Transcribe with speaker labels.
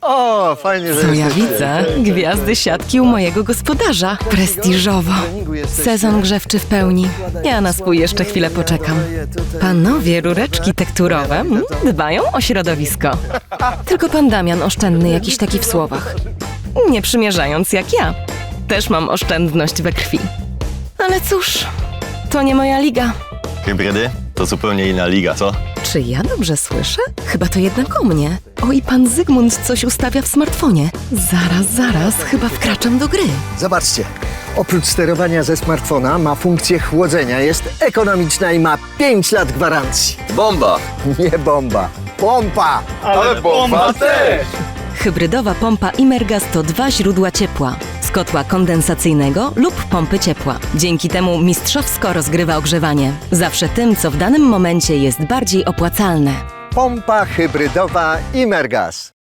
Speaker 1: O, fajnie, że
Speaker 2: Co ja
Speaker 1: jesteście.
Speaker 2: widzę?
Speaker 1: Cześć, cześć.
Speaker 2: Gwiazdy siatki u mojego gospodarza. Prestiżowo. Sezon grzewczy w pełni. Ja na swój jeszcze chwilę poczekam. Panowie, rureczki tekturowe dbają o środowisko. Tylko pan Damian oszczędny jakiś taki w słowach. Nie przymierzając jak ja. Też mam oszczędność we krwi. Ale cóż, to nie moja liga.
Speaker 3: Hybrydy? To zupełnie inna liga, co?
Speaker 2: Czy ja dobrze słyszę? Chyba to jednak o mnie. O, i pan Zygmunt coś ustawia w smartfonie. Zaraz, chyba wkraczam do gry.
Speaker 1: Zobaczcie, oprócz sterowania ze smartfona ma funkcję chłodzenia, jest ekonomiczna i ma 5 lat gwarancji.
Speaker 3: Bomba!
Speaker 1: Nie bomba, pompa!
Speaker 3: Ale bomba też!
Speaker 2: Hybrydowa pompa Imergas to 2 źródła ciepła. Z kotła kondensacyjnego lub pompy ciepła. Dzięki temu mistrzowsko rozgrywa ogrzewanie. Zawsze tym, co w danym momencie jest bardziej opłacalne.
Speaker 1: Pompa hybrydowa Imergas.